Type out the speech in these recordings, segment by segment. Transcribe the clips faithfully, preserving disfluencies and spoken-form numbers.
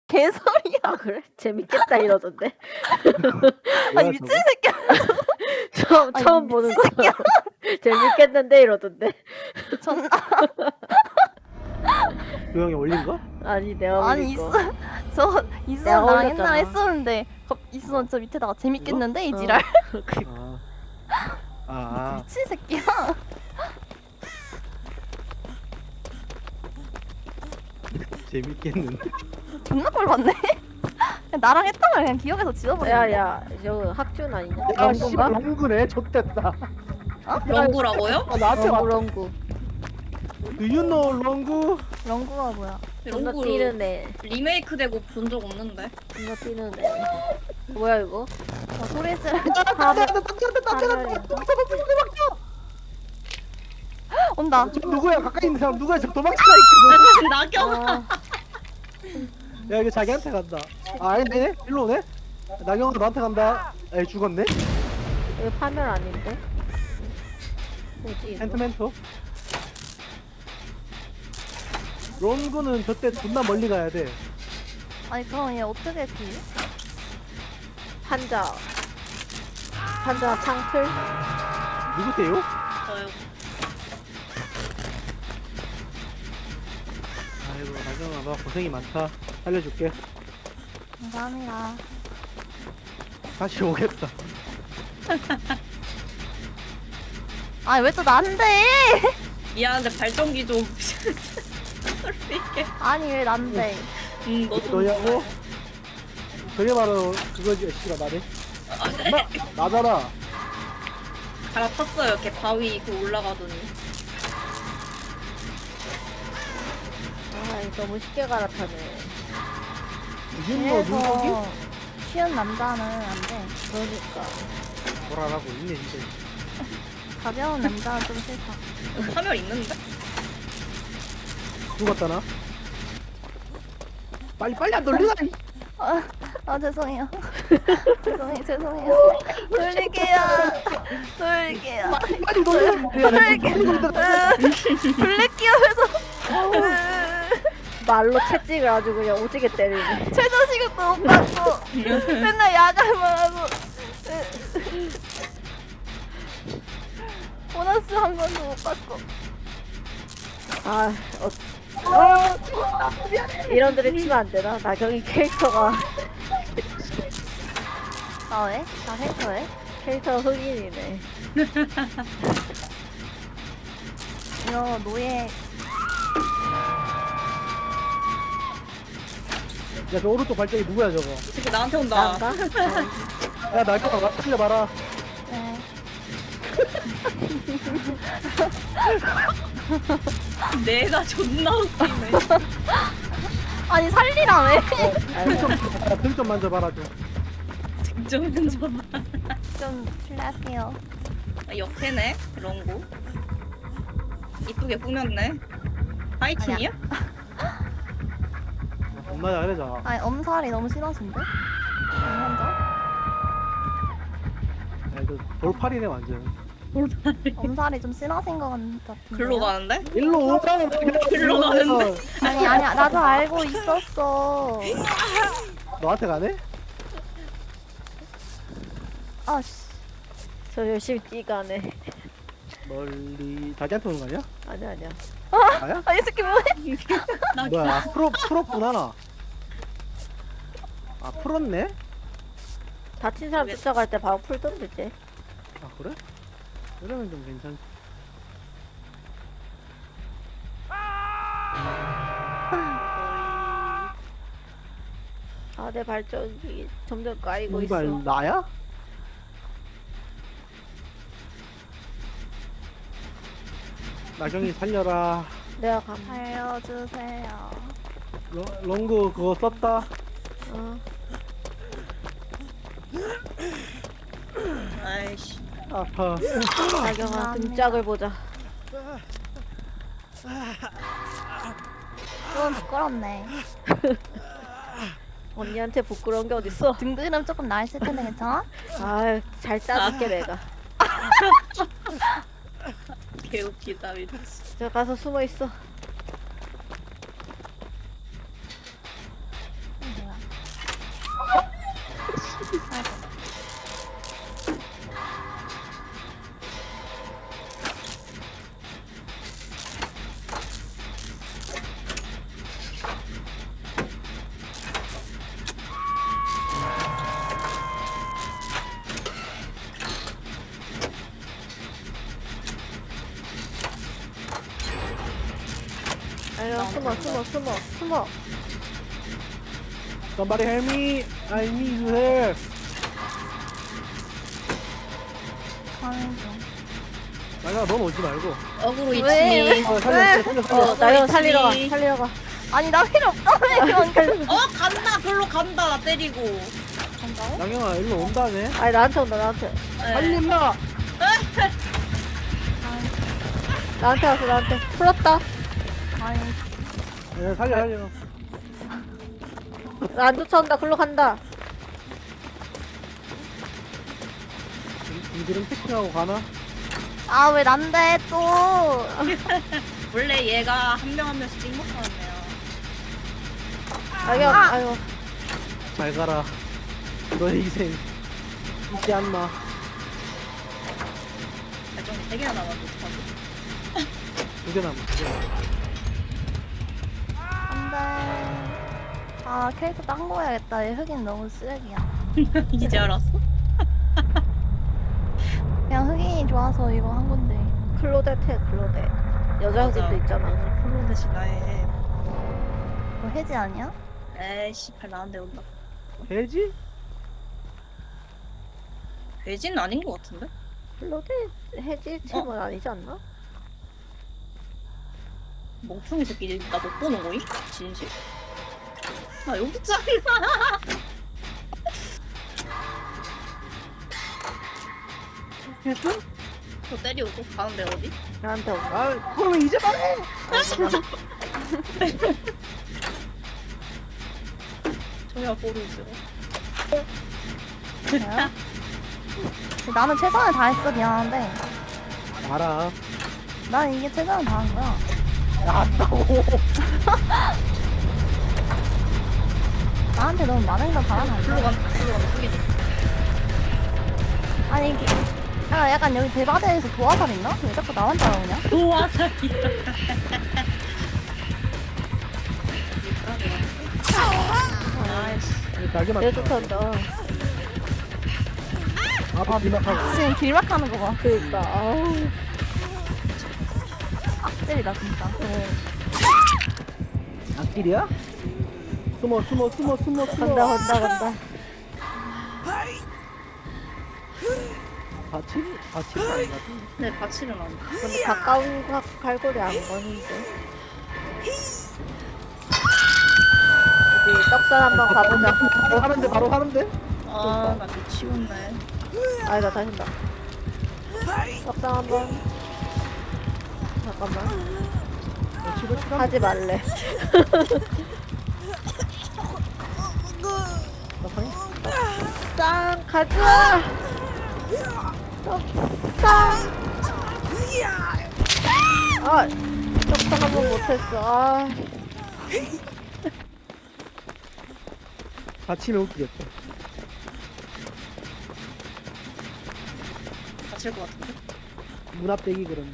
개소리야. 아 그래? 재밌겠다 이러던데. 아니 미친 새끼야. 처음 아니 처음 보는 미친 새끼야. 거 재밌겠는데 이러던데. 존나 그 형이 올린 거? 아니 내가 아니 올린 거. 있어. 저 내가 있어 나 옛날에 올렸잖아. 했었는데 갑 있어 저 밑에다가 재밌겠는데 이 지랄. 어. 아. 아, 아. 미친 새끼야. 재밌겠는데. 존나 꼴받네. 그냥 나랑 했던 걸 그냥 기억에서 지워버려. 야야 저 학준 아니냐? 아, 씨발, 런구인가? 런구네. 좆됐다. 런구라고요? 아, 나한테 런구 왔 런구. Do you know 런구? 런구가 뭐야? 존나 런구 뛰는 애. 리메이크 되고 본 적 없는데. 존나 뛰는 애. 뭐야 이거? 어, 소리 지르. 하늘 온다. 저 누구야? 가까이 있는 사람 누구야? 저 도망치다 있거든. 나경아. 아, 야, 이거 자기한테 간다. 아, 아니네? 일로 오네? 나경아 너한테 간다. 에이, 죽었네? 이거 파멸 아닌데? 뭐지 이거? 멘토멘토. 런구는 저때 존나 멀리 가야 돼. 아니 그럼 얘 어떻게 피? 판자. 판자 창틀? 누구세요? 저요. 아이고, 나경아 너 고생이 많다. 살려줄게. 감사합니다. 다시 오겠다. 아니 왜 또 난데? 미안한데 발전기 좀. 이게. 아니 왜 난데? 음, 너 좀. 너냐고? 그게 바로 그거지, 씨가 나네. 아, 네. 나, 나잖아. 갈아탔어요. 걔 바위 그 올라가더니. 아 이거 너무 쉽게 갈아타네. 윤모, 윤석이? 그래서 쉬운 남자는 안 돼. 그러니까. 뭐라라고 있네, 진짜. 가벼운 남자는 좀 싫다. 파멸 있는데? 죽었다나? 빨리, 빨리 안 돌리나? 이. 아, 아 죄송해요. 죄송해요, 죄송해요. 돌릴게요. 돌릴게요. 빨리 돌리나? 돌릴게요. 해서 말로 채찍을 아주 그냥 오지게 때리네. 최저 시급도 못 받고 맨날 야간만 하고 보너스 한 번도 못 받고. 아, 어, 어, 이런 들이 치면 안 되나? 나경이 캐릭터가 아 왜? 나 해커해? 캐릭터가 흑인이네. 이거 노예. 야, 저 오른쪽 발전기 누구야, 저거? 이 새끼 나한테 온다. 난가? 야, 나경아, 나 살려봐라. 네. 내가 존나 웃기네. 아니 살리라며. 아이고, 등 좀 만져봐라, 좀. 증정은 좀. 좀 실례할게요. 아, 옆에네. 런구. 이쁘게 꾸몄네. 파이팅이야? 엄마 잘해자. 아니 엄살이 너무 심하신데? 혼자? 야, 이거 돌팔이네, 완전. 엄살이 좀 심하신 것 같은데. 글로 가는데? 일로 오잖아. 일로 가는데? 아니 아니야 나도 알고 있었어. 너한테 가네? 아씨. 저 열심히 뛰가네. 멀리 자기한테 오는 거 아니야? 아니야, 아니야. 나야? 아이 새끼 뭐해? 뭐야, 프로, 프로구나, 나. 아, 풀었네? 다친 사람 쫓아갈 때 바로 풀던데, 쟤. 아, 그래? 이러면 좀 괜찮. 아, 내 발전기 점점 까이고 있어. 이발 나야? 나경이 살려라. 내가 감. 알려주세요. 러, 런구 그거 썼다. 어. 아이씨. 아파. 나경아, 감사합니다. 등짝을 보자. 좀 부끄럽네. 언니한테 부끄러운 게 어딨어? 등드름 조금 나있을 텐데 괜찮아? 아, 잘 짜줄게 내가. 개웃기다 미쳤어. 저 가서 숨어 있어. 뭐 아니야, 숨어, 숨어, 숨어, 숨어. Somebody help me. I need help. 가는 중. 나경아 넌 오지 말고. 어그로 왜? 이치니. 어, 살려, 살려, 살려. 어, 나경 살리러 가, 있지. 살리러 가. 아니 나 필요 없다며. 어 간다. 글로 간다. 나 때리고. 간다고? 나경아 일로 온다네. 아니, 나한테 온다, 나한테. 네. 살린다. 나한테 왔어, 나한테. 풀었다. 아니 야, 살려 살려. 나 안 쫓아온다, 글로 간다. 이- 이들은 패킹하고 가나? 아 왜 난데 또. 원래 얘가 한 명 한 명씩 찍먹하네요. 나경, 아! 아유. 잘 가라. 너의 희생 잊지 않마. 발전기 세 개나 남았는데 어떡하지? 두개 남아. 두 개 남아. 안돼. 아 캐릭터 딴 거 해야겠다. 얘 흑인 너무 쓰레기야. 이제 알았어? 그냥 흑인이 좋아서 이거 한 건데. 클로데트, 클로데. 여자 흑인도 있잖아. 클로 대신 나의. 뭐 해지 아니야? 에이씨 발 나한테 온다. 돼지? 돼지는 아닌 것 같은데? 클로데 해지팀은 아니지 않나? 멍청이 새끼 나 못 보는 거임? 진실? 나 여기 있잖아. 됐어? 저 때리고 가는데 어디? 나한테 온다. 아 그러면 이제 말해. 저야 모르지. 그래요? 나는 최선을 다했어. 미안한데 알아. 난 이게 최선을 다한 거야. 알았다고. 나한테 너무 많은 걸 바라면 안 글로 돼. 가, 글로 가면 숙이지. 아니 이게 야, 약간 여기 대바대에서 도화살 있나? 왜 자꾸 나만 따라오냐? 도화살이다. 아이씨. 날개 내 맞다. 쫓아온다. 앞에 비막하고. 지금 길막하는 거 봐. 그니까, 아우. 악질이다 진짜. 어. 앞길이야? 숨어 숨어 숨어 숨어 숨어. 간다, 간다, 간다. 받침? 받침 아닌가? 네, 바치는 안 돼. 근데 가까운 가, 갈고리 안 거는데. 우리 떡산 한번 가보자. 바로 하는데 바로 하는데? 아, 나 미치겠네. 아니다, 다신다. 떡상 한번. 잠깐만. 어, 치고 치고. 하지 말래. 떡상이? 짱, 가자! 떡상! 아, 떡상 한번 못했어. 아, 받치면 웃기겠다. 다칠 것 같은데? 문 앞 대기 그럼.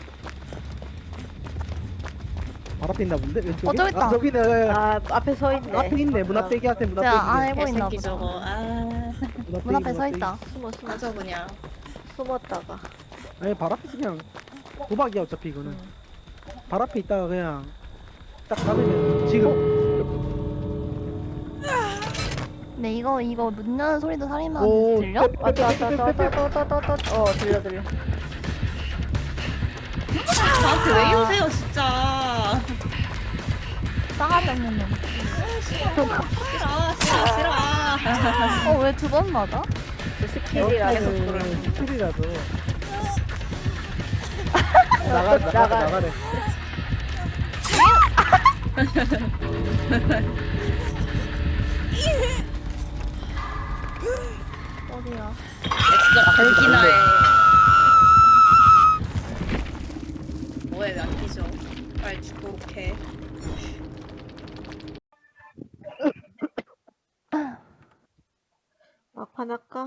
발 앞에 있나 본데? 왼쪽에? 어, 저기 있다. 아, 저기네. 야, 야. 아, 앞에 서 있네. 앞에 있네. 문 앞 대기한테 문 앞 제가 대기. 안 해보고 있나 개새끼 보다. 저거. 아, 문 앞에 서 있다. 숨어, 숨어, 맞아 그냥. 숨었다가. 아니 발 앞에서 그냥 도박이야 어차피 이거는. 응. 발 앞에 있다가 그냥 딱 잡으면 지금. 근데 이거 이거 문 여는 소리도 살인마 오, 들려? 왔다, 왔다, 왔다, 왔다, 왔다, 왔다, 왔다, 왔다. 어, 들려, 들려. 나한테 왜 이러세요 진짜. 싸가지 없는 놈. 싫어, 싫어, 싫어. 어 왜 두 번 맞아? 저 스킬이라서 그래. 스킬이라서. 나가 나가 나가. 나가래. 어디야? 진짜 갈기나 해. 뭐해 왜 안 뛰죠? 빨리 죽도록 해. 막판 할까?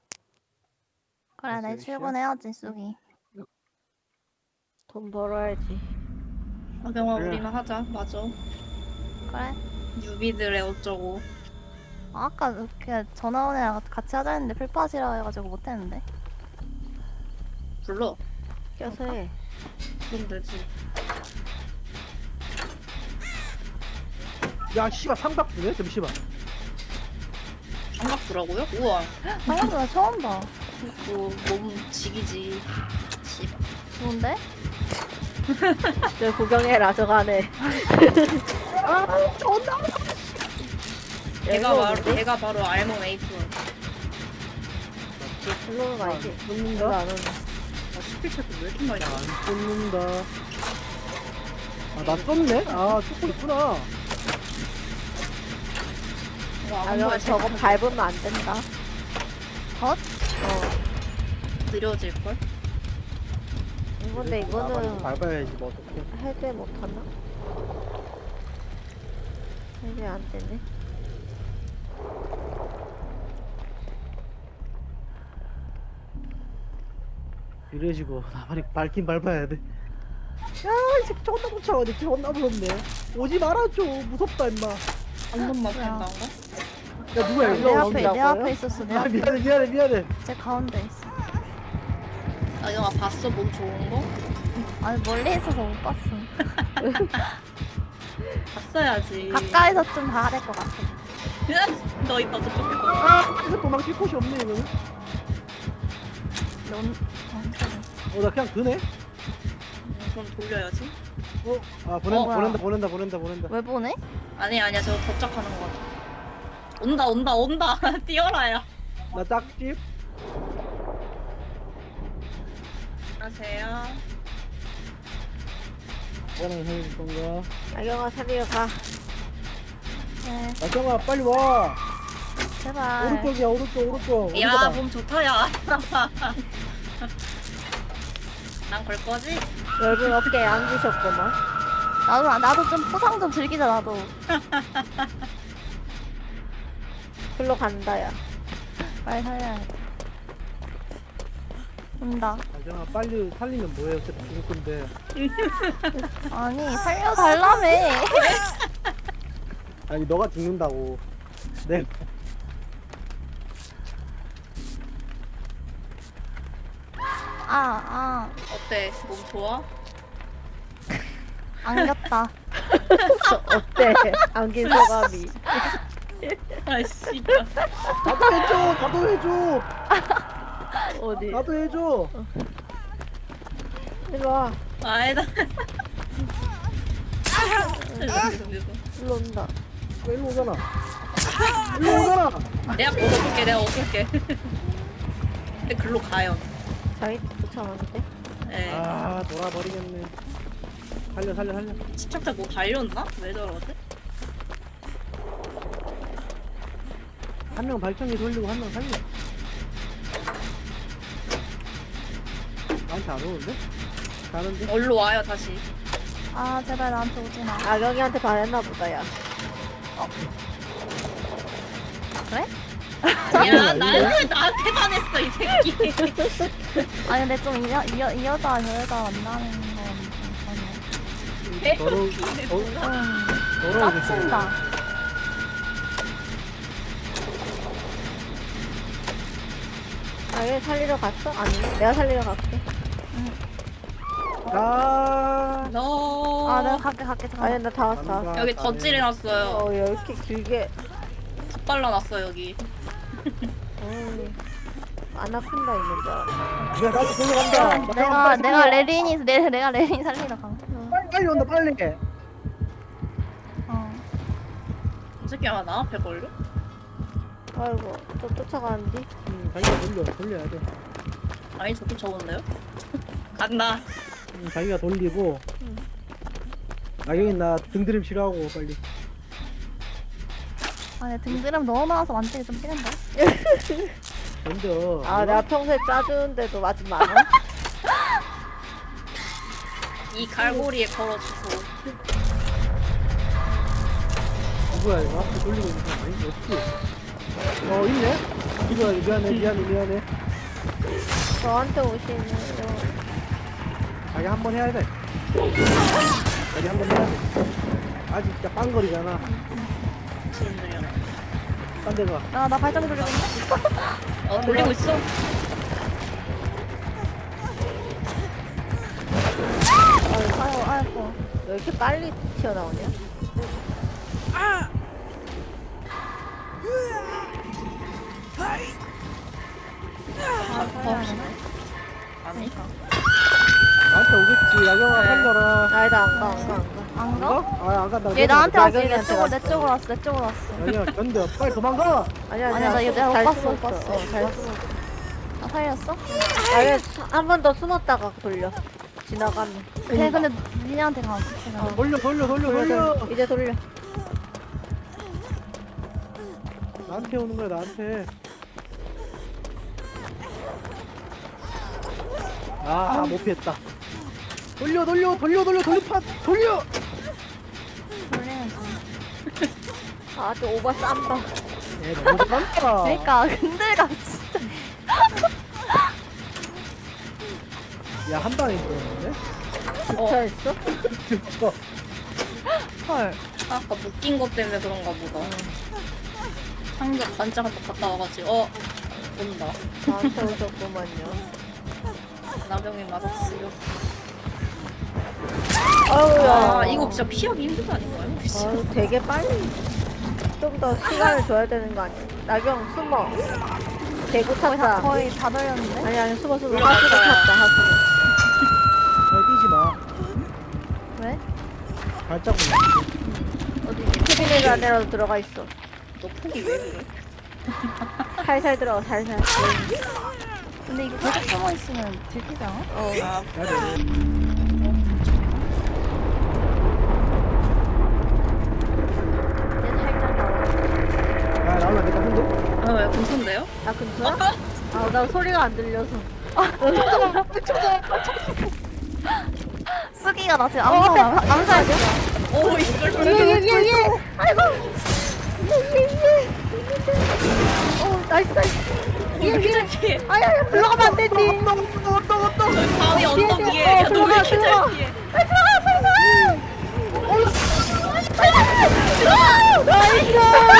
그래 내일 출근해야지 쑥이. 돈 벌어야지. 아경아 그래. 우리는 하자. 맞아. 그래? 유비들의 어쩌고. 아, 아까 이렇게 전화 온 애랑 같이 하자 했는데 풀팟이라 해가지고 못했는데. 불러. 껴서 해. 그럼 되지. 야 씨발 삼각부네 잠시만. 삼각부라고요? 우와. 방금 나 처음 봐. 뭐 너무 지기지. 씨발. 좋은데? 저 구경해라 저가네. 아 존나. 걔가 바로 걔가 바로 알몸 에이프. 일로는 아니지. 일로 꽂는다. 안 오네. 아 스킬 체크 왜 이렇게 많이 나와? 안 꽂는다. 아나 떴네? 아 쫓고 있구나. 와, 아 형 저거 밟으면 안 된다. 덧? 어. 느려질 걸? 근데 이거는 밟아야지 뭐 어떡해. 해제 못하나? 해제 안 되네. 이래지고 나만이 밟긴 밟아야 돼. 야이 새끼 존나 쫓아오네. 존나 무섭네. 오지 말아줘. 무섭다 임마. 한 번만 뭐야. 뺀다는가? 야 누구야 내 이거? 앞에 내 나온다고요? 앞에 있었어. 내 아 앞에. 미안해 미안해 미안해. 제 가운데 있어. 아 영화 봤어? 몸 좋은 거? 아니 멀리 있어서 못 봤어. 봤어야지. 가까이서 좀 봐야 될 것 같아. 너 이따 저쪽 거. 아 이거 도망칠 곳이 없네 이거는. 넌 어, 그래. 어나 그냥 드네. 음, 그럼 돌려야지. 어? 아 보낸다 어, 보낸다 보낸다 보낸다 보낸다. 왜 보내? 아니 아니야 저거 도착하는 거 같아. 온다 온다 온다. 뛰어라야. 나 짝집. 안녕하세요. 뭐랑 해줄 건가? 나경아 살리러 가. 네, 나경아 빨리 와. 제발. 오른쪽이야 오른쪽 오른쪽. 야 어디가? 몸 좋다 야. 난 걸 거지? 넓은 어깨에 앉으셨구만. 나도 나도 좀 포상 좀 즐기자 나도. 글로 간다 야. 빨리 살려야겠다. 온다. 나경아 빨리 살리면 뭐해 어차피 죽을 건데. 아니 살려달라며. 아니 너가 죽는다고. 네. 아, 아, 어때? 몸 좋아? 안겼다. 어때? 안긴 소감이. 아 씨발. 나도 해줘 나도 해줘 어디? 나도 해줘. 일로 와. 아니다. 일로 온다. 왜 일로 오잖아. 일로 오잖아. 내가 얻어볼게 내가 얻을게. 근데 글로 가요. 자기 도착하는데? 예. 아 돌아버리겠네. 살려 살려 살려. 집착자 뭐 달렸나? 왜 저러지? 한 명 발전기 돌리고 한 명 살려. 나한테 안 오는데? 가는데? 얼로 와요 다시. 아 제발 나한테 오지 마. 나경이한테 반했나 보다 야. 그래? 야 나한테 나한테 반했어 이 새끼. 아니 근데 좀 이 여, 이 여자 저 여자 만나는 건 좀 더러우 개웃기네, 더- 뭐야. 좀 더러워. 짜친다. 나경이 살리러 갔어? 아니네. 내가 살리러 갈게. 아. 너. 아 내가 갈게 갈게 잠깐. 아니 나 다 왔어. 간다. 여기 덧질해놨어요. 어 이렇게 길게. 덧발라놨어 여기. 음. 아나콘다 있는 줄 알았어. 야 나도 돌려간다. 내가 내가 레린이 내 내가 레린 살리러 가. 빨리 빨리 온다 빨리. 어. 이 새끼 아마 나 앞에 걸려? 아이고 또 쫓아가는데. 응, 자기가 돌려 돌려야 돼. 아니 저기 적은데요? 간다. 응, 자기가 돌리고. 응. 나경이 나 등드림 싫어하고 빨리. 아니 등드름 너무 많아서 만지기 좀 싫은데. 던져. 아 내가 평소에 짜주는데도 맞으면 안 와? 이 갈고리에 걸어주고. 누구야 이거 앞에 돌리고 있는 사람 아니지? 없지? 어 있네? 이거야 미안해 미안해 미안해. 저한테 오시는 자기 한 번 해야 돼. 자기 한 번 해야 돼. 아직 진짜 빵거리잖아. 지인들이야. 딴 데가. 야나 발전기 돌리고 있네. 어 돌리고 있어. 아이고 아이고. 왜 이렇게 빨리 튀어나오냐? 아, 어, 아니. 나한테 오겠지. 야경아 살려라. 아니다 안 가 안 가 안가 안 가? 아, 안 간다. 얘 나한테 왔어. 얘 내 나경이한테 쪽으로 내 왔어. 쪽으로 왔어. 내 쪽으로 왔어. 야경아 견뎌. 빨리 도망가. 아니야 아니야, 아니야 나 이거 내가 잘 못 봤어, 숨었어. 못 봤어. 어, 잘 숨었어. 나 살렸어? 아예 한 번 더 숨었다가 돌려 지나가면 걔 근데 니네한테 가. 걔가. 어. 돌려 돌려 돌려 돌려. 돌려 이제 돌려 나한테 오는 거야 나한테. 아, 못 피했다. 돌려 돌려 돌려 돌려 돌려판 돌려. 돌리면 돼. 아주 오바 쌈다 예, 너무 잘한다. 그러니까 근데가 진짜. 야, 한 방에 들었는데? 주차했어? 진짜. 헐. 아까 묶인 것 때문에 그런가 보다. 상자 반짝 한번 갔다 와가지고 어 온다. 나한테 오셨구만요 나병이 맞았어요. 아우야 아 이거 진짜 피하기 힘든 거 아닌가요? 혹시? 아유 되게 빨리 좀 더 시간을 줘야 되는 거 아니야? 나경 숨어 대구 거의 다 탔다 거의 다 돌렸는데. 아니 아니 숨어 숨어 올라갈 하수구 거야. 탔다 하수구 야, 뛰지 마. 왜? 발자국 나. 어디 캐비넷 안에라도 들어가 있어 너 폭이 왜 그래? 살살 들어가 살살 근데 이거 계속 숨어 있으면 들키지 않아? 어 아 야, 얘 살짝 나와 야, 나올라 내가 혼데? 아, 왜 근처인데요? 아 근처야? 아 나 소리가 안 들려서 쓰기가 나 지금 어, 암살 암살 중. 오 이걸 예예예예 아이고 예예예 어 나이스 나이스 예예 피해. 아야야 물러가면 안 되지 저기 바위 언덕 뒤에, 위에 어, 야, 너왜 들어가, 이렇게 들어가. 잘 피해? 빨리 들어가 빨리 나이스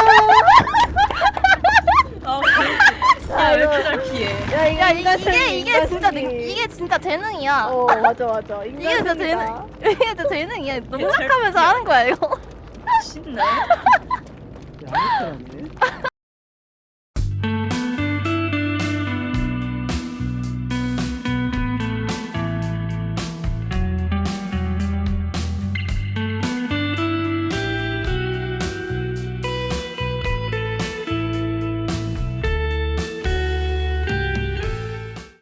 아 그렇지. 야왜 이렇게 잘 피해? 야 이거 야 이, 인간 이게 승리, 이게 인간 진짜 승리. 능, 이게 진짜 재능이야. 어 맞아 맞아 이게 인간 진짜 승리다. 재능. 이게 진짜 재능이야. 너무 잘 착하면서 하는 거야 이거. 신네. 야, 아무튼 안 돼.